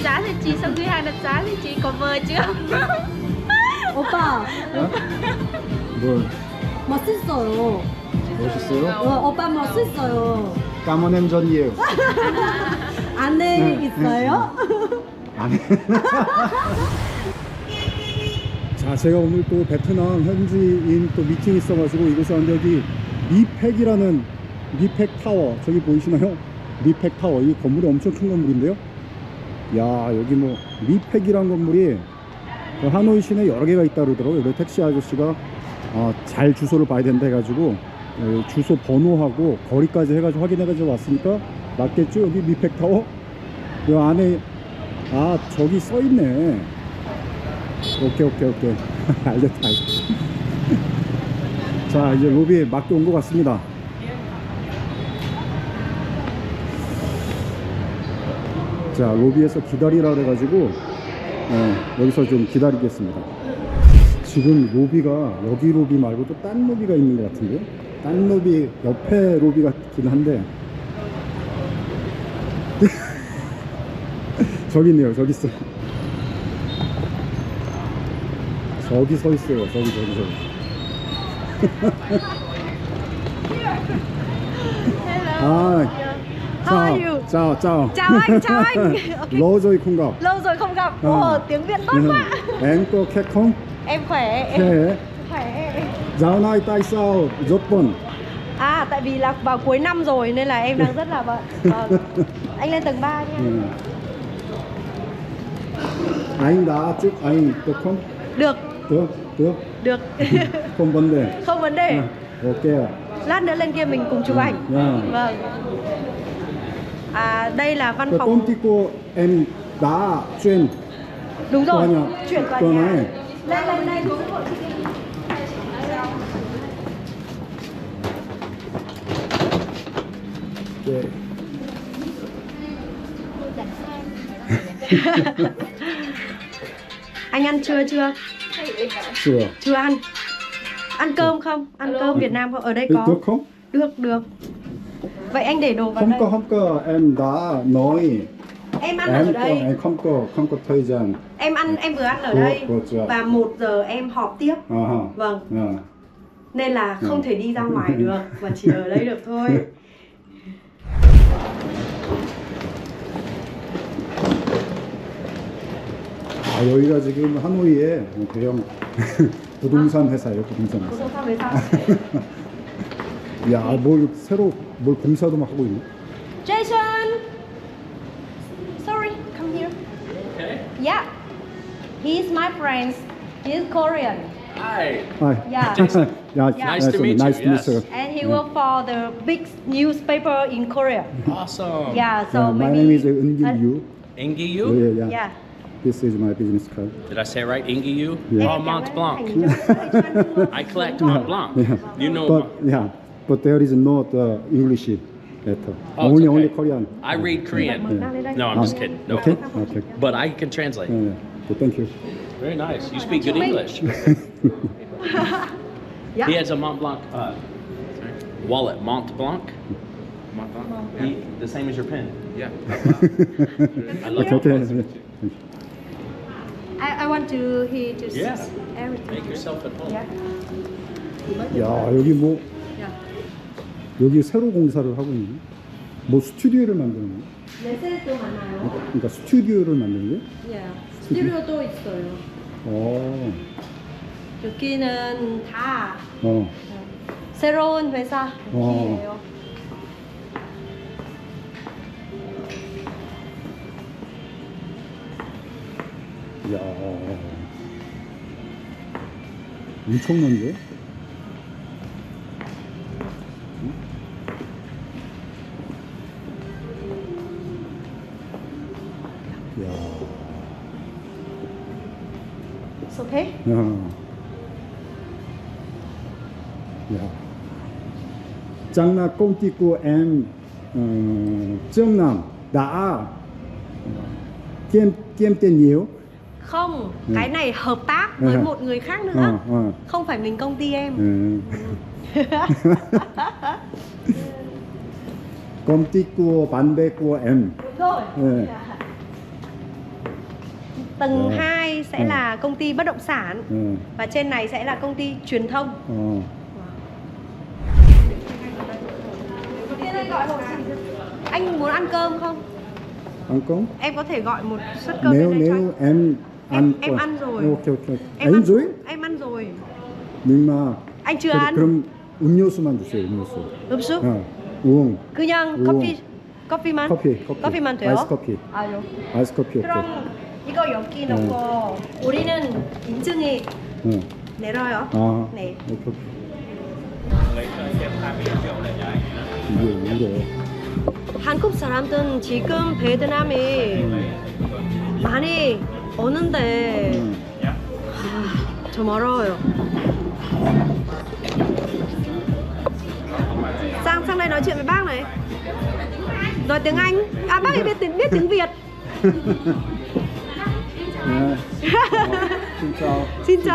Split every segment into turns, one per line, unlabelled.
giá cho chị, sau khi hai đặt giá thì chị có mời chưa?
오빠
뭘
멋있어요.
멋있어요?
오빠 멋있어요.
까만 햄전이에요.
안에 있어요?
안 해. 자, 제가 오늘 또 베트남 현지인 또 미팅 있어가지고 이곳에 왔는데 여기 미팩이라는 미팩 타워 저기 보이시나요? 미팩 타워 이 건물이 엄청 큰 건물인데요. 야, 여기 뭐 미팩이란 건물이 하노이 시내 여러 개가 있다 그러더라고요. 그래서 택시 아저씨가 잘 주소를 봐야 된다 해가지고 주소 번호하고 거리까지 해가지고 확인해가지고 왔으니까 맞겠죠? 여기 미팩 타워? 이 안에 저기 써있네. 오케이 알겠다. 자, 이제 로비에 맞게 온 것 같습니다. 자, 로비에서 기다리라 그래가지고 여기서 좀 기다리겠습니다. 지금 로비가 여기 로비 말고 또 딴 로비가 있는 것 같은데요. 딴 로비 옆에 로비 같긴 한데 저기 있네요. 저기 있어. 저기 서 있어요. 저기.
Hello. How are you?
Chào.
Chào anh. Okay.
Lâu rồi không gặp.
Lâu rồi không gặp. Ồ, tiếng Việt tốt quá.
Em có khỏe không?
Em khỏe. Khỏe.
Dạo này tại sao rất bận?
Tại vì là vào cuối năm rồi nên là em đang rất là bận. Vâng. Anh lên tầng 3 nha.
Anh đã chụp ảnh được không?
Được.
Được. Không vấn đề.
Không vấn đề.
Ok.
Lát nữa lên kia mình cùng chụp ảnh. Vâng. Đây là văn phòng.
Công ty của em đã chuyển.
Đúng rồi.
Tòa nhà.
Chuyển tòa
Tòa
nhà.
này.
Lên đây.
Okay.
Anh ăn trưa chưa? Chưa ăn. Ăn cơm không? Ăn cơm Việt Nam không? Ở đây có.
Được không?
Được. Vậy anh để đồ vào đây.
Không có, em đã nói.
Em ăn ở đây.
Em không có thời gian.
Em vừa ăn ở đây. Và 1 giờ em họp tiếp. Vâng. Nên là không thể đi ra ngoài được mà chỉ ở đây được thôi.
여기가 지금 하노이의 대형 부동산 회사예요. 부동산 회사. 야, 새로 공사도 막 하고 있네.
Jason! Sorry, come here.
Okay.
Yeah. He's my friend. He's Korean.
Hi.
Yeah.
Nice to meet you.
Nice to meet you.
And he worked for the big newspaper in Korea.
Awesome.
Yeah, so
My
maybe
name is Eun-gil
Ingiyu?
Yu.
Yeah.
This is my business card.
Did I say it right? Ingiyu?
Yeah.
Oh, Mont Blanc. I collect Mont Blanc. You know.
But there is no English letter.
Oh, it's
Only
okay.
Korean.
I read Korean. No, I'm just kidding. No.
Okay.
But I can translate.
Okay, thank you.
Very nice. You speak good English.
Yeah.
He has a Mont Blanc wallet. Mont Blanc? Mont Blanc? The same as your pen. Yeah. I love
Okay.
I want to he to
Yeah.
see everything.
Make yourself at home.
Yeah.
야, 여기
Yeah.
여기 새로 공사를 하고 있네. 스튜디오를 만드는 거야?
레셀도 많아요.
그러니까 스튜디오를 만드는 거야?
Yeah. 스튜디오도 있어요. 여기는 다 새로운 회사 여기예요.
야, 엄청난데? 야,
It's okay?
야, 장나 công ty của em Trương Nam đã kiếm tiền nhiều.
Không, cái này hợp tác với một người khác nữa. Không phải mình công ty em.
công ty của bạn bè của em.
Đúng rồi. Tầng 2 sẽ là công ty bất động sản. Và trên này sẽ là công ty truyền thông. Anh muốn ăn cơm không?
Ăn cơm?
Em có thể gọi một suất cơm
Nếu
lên đây cho anh.
em ăn
Em ăn rồi.
오케이.
Em
ăn rồi?
Em ăn rồi.
Nhưng mà
Anh chưa ăn.
그럼 음료수만 주세요. 음료수.
음수?
우엉.
그냥
우엉.
커피만? 커피만 돼요?
아이스 커피.
아요.
아이스 커피 오케이.
그럼 이거 여기 넣고 우리는 인증이 내려요.
아.
네.
오케이. 이게 울어.
한국 사람들은 지금 베트남에 많이 오는데 좀 어려워요. Sang đây nói chuyện với bác này. Nói tiếng Anh. À bác ấy biết tiếng Việt.
네.
진짜.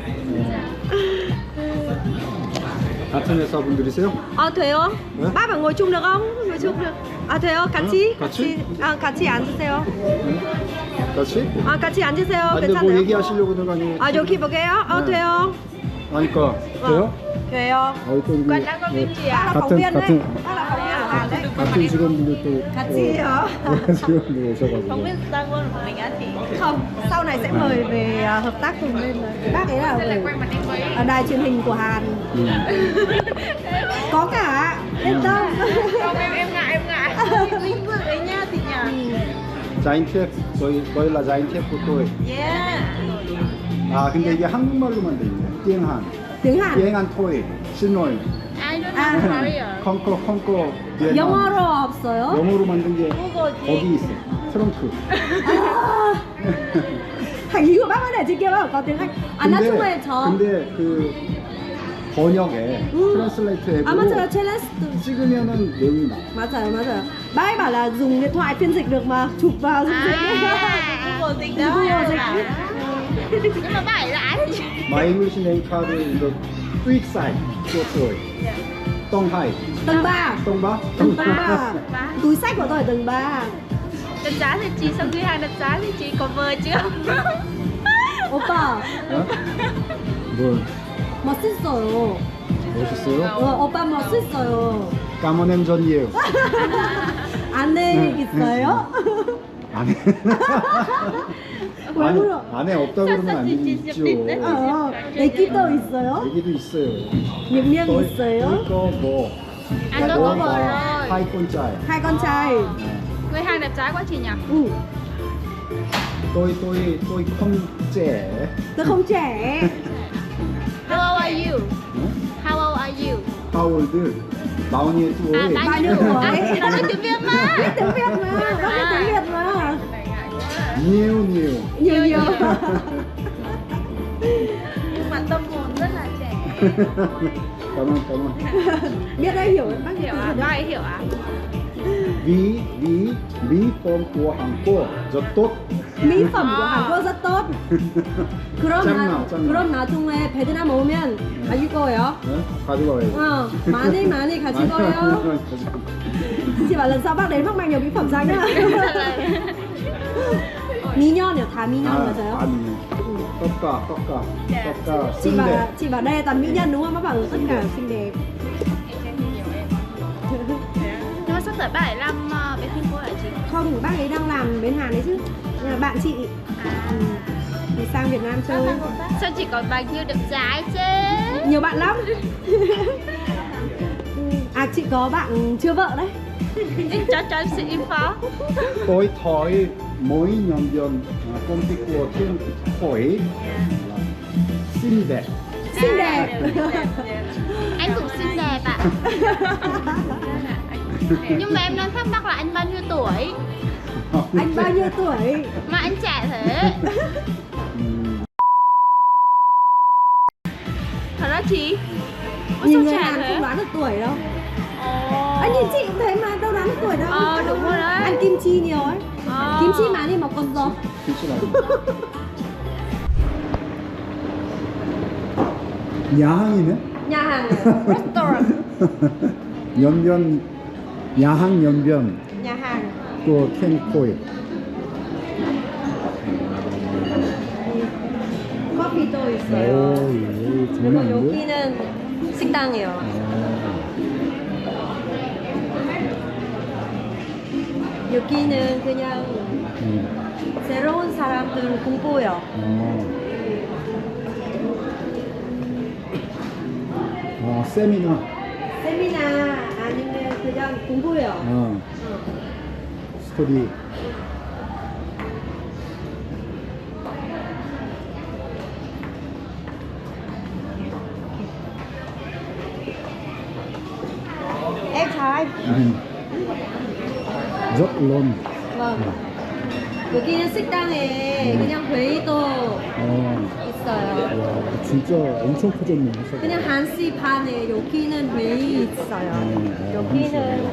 같은 회사 분들이세요?
À 돼요?
네?
Bác phải ngồi chung được không? Ngồi chung được. À 돼요? 같이?
같이?
같이 앉으세요.
같이?
같이 앉으세요.
아, 근데 뭐
괜찮아요?
얘기하시려고 들어가니?
여기 볼게요.
네.
돼요.
아니까 돼요?
돼요.
또 우리
Quen đã có viên chị ạ.
같은
Bác là phóng viên ở Hàn đấy.
같은 직원분들 또
같이요.
직원분들 오셔가지고.
Không, sau này sẽ mời về hợp tác cùng lên. Bác ấy là ở đài truyền hình của Hàn. Có cả, yên tâm.
em ngại lĩnh vực ấy nha thì nhỉ.
자인티앱 저희 là 자인티앱 của tôi. 아 근데 이게 한국말로만 돼 있네. 띵한.
Tiếng Hàn.
띵한 토이. 신노이.
I don't know Korea.
콩코.
영어로 없어요?
영어로 만든 게 거기 있어. 트렁크.
Hành lý của bác có để trên kia không? Có tiếng Anh. nói chung là 저.
근데 그 번역에 트랜슬레이트 앱으로
맞아요. 챌린지.
찍으면은 내용이 나와.
맞아요. Bác ấy bảo là dùng điện thoại phiên dịch được mà, chụp vào dùng dịch.
Google dịch đó.
Google dịch.
Nhưng mà bác ấy là ai thì
My English name card in the Tweak side của tôi. Donghai.
Tầng 3.
Tông Ba.
Tầng 3. Túi sách của tôi ở tầng 3.
Đánh giá thì chị sau khi hàng đánh giá thì chị có vợ chưa?
오빠,
뭐
멋있어요.
멋있어요?
오빠 멋있어요.
까만 햄전이에요.
안에 있어요?
안에
왜 울어?
안에 없다 그러면 안 되죠.
애기도 있어요?
얘기도 있어요.
몇 명 있어요?
이거 뭐
Anh tôi có vợ rồi.
hai con trai.
Hai con trai.
Người hàng đẹp trai quá chị nhỉ?
tôi không trẻ.
Tôi không trẻ.
How old are you? How old are you?
How old? 42 tuổi.
Bao nhiêu tuổi?
Nó nói tiếng Việt mà.
Biết tiếng Việt mà, bác biết tiếng Việt mà.
nhiều.
Nhiều.
Nhưng mà tâm hồn rất là trẻ.
cảm ơn.
Biết đấy, hiểu bác
Hiểu à? Bác ấy hiểu à?
mỹ phẩm của Hàn Quốc rất tốt.
mỹ phẩm của Hàn Quốc rất tốt.
짱나.
그럼 나중에 베트남 오면 가질 거예요.
가져가요.
많이 가질 거예요. Chị bảo lần sau bác đến bác mang nhiều mỹ phẩm sang nhá. 미녀요, 다 미녀 맞아요?
아니. 떡가.
Chị bảo đây là toàn mỹ nhân đúng không? Bác bảo tất cả xinh đẹp.
Nhưng mà sắp tới bác ấy làm bên Trung Quốc hả chị?
Không, bác ấy đang làm bên Hàn đấy chứ. Nhưng mà bạn chị thì sang Việt Nam chơi.
Sao chỉ có bao nhiêu đẹp trai chứ?
Nhiều bạn lắm. À chị có bạn chưa vợ đấy.
Cho em xin info.
tôi thôi mỗi nhân viên công ty của Thiên Khởi xinh đẹp.
Xinh đẹp.
Anh cũng xinh đẹp ạ. Nhưng mà em đang thắc mắc là anh bao nhiêu tuổi?
Anh bao nhiêu tuổi?
Mà anh trẻ thế. Thật đó chị?
Nhìn người Hàn không đoán được tuổi đâu. Anh nhìn chị cũng thế mà đâu đoán được tuổi đâu.
Đúng rồi đấy.
Ăn kim chi nhiều ấy. Kim chi mà đi một con gió.
야항이네?
Nhà hàng restaurant.
연변 야항 연변
Nhà hàng.
또 캔코이.
회의도 있어요.
오, 예,
그리고
장난 아닌데?
여기는 식당이에요. 여기는 그냥 새로운 사람들 공부요.
세미나.
세미나 아니면 그냥 공부요.
스토리.
Em chào anh.
rất lớn.
vâng. 여기는 식당에 그냥 회의도 있어요.
와, 진짜 엄청 커졌네.
그냥 1시 반에 여기는 회의 있어요. 여기는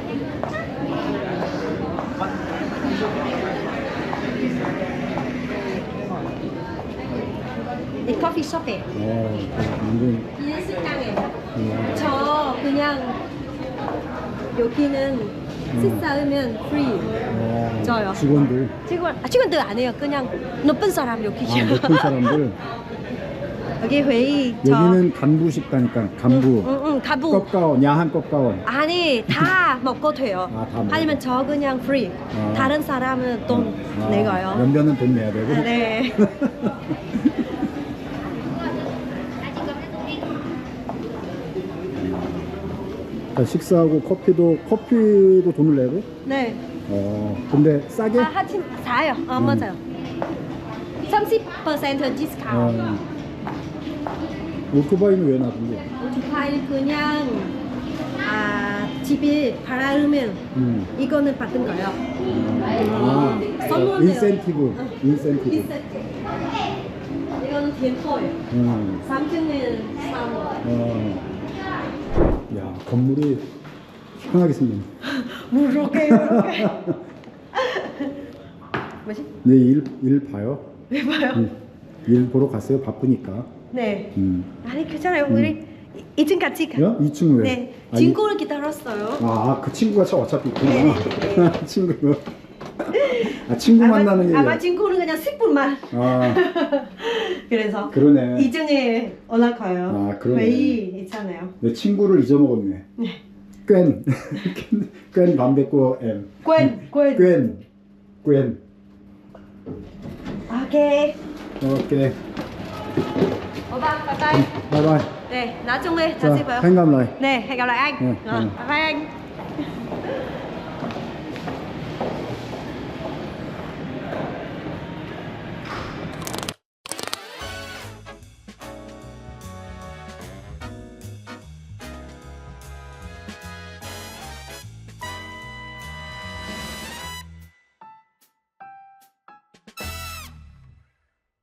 이 커피숍에
완전.
여기는 식당에 저 그냥 여기는 식사하면 프리 줘요. 직원들 안 해요. 그냥 높은 사람 여기.
높은 사람들.
여기 회의
여기는 간부 식당이니까 간부.
간부.
꺾가원, 야한 꺾가원.
아니 다 먹고 돼요.
다 먹어.
아니면 저 그냥 프리. 다른 사람은 돈 내고요.
연변은 돈 내야 되고.
네.
식사하고 커피도 돈을 내고?
네.
근데 싸게?
하침 사요. 맞아요. 30% 디스카운트.
오토바이는 왜 놔둔 거야?
오토바이 그냥 집에 팔아오면 이거는 받은 거예요. 선물이에요.
인센티브.
이거는 템포예요. 3층은 3월.
야, 건물이 편하게 생겼네.
이렇게. 뭐지?
네, 일 봐요?
왜 봐요?
일 보러 갔어요? 바쁘니까.
네. 아니 괜찮아요. 우리 2층 같이 가.
2층 왜?
네. 친구를 기다렸어요.
그 친구가 어차피 있구나.
네.
친구. 친구 만나는 얘기야.
아마 친구는 그냥 10분만. 그래서
그러네.
2층에 올라가요.
그러네.
회의 있잖아요.
내 친구를 잊어먹었네.
네.
꽌 밤백고 엠.
꽌.
오케이.
오케이. 오빠, bye bye.
바이바이.
네, 나중에 다시 봐요.
hẹn gặp lại.
네, hẹn gặp lại anh.
네,
Bye bye anh.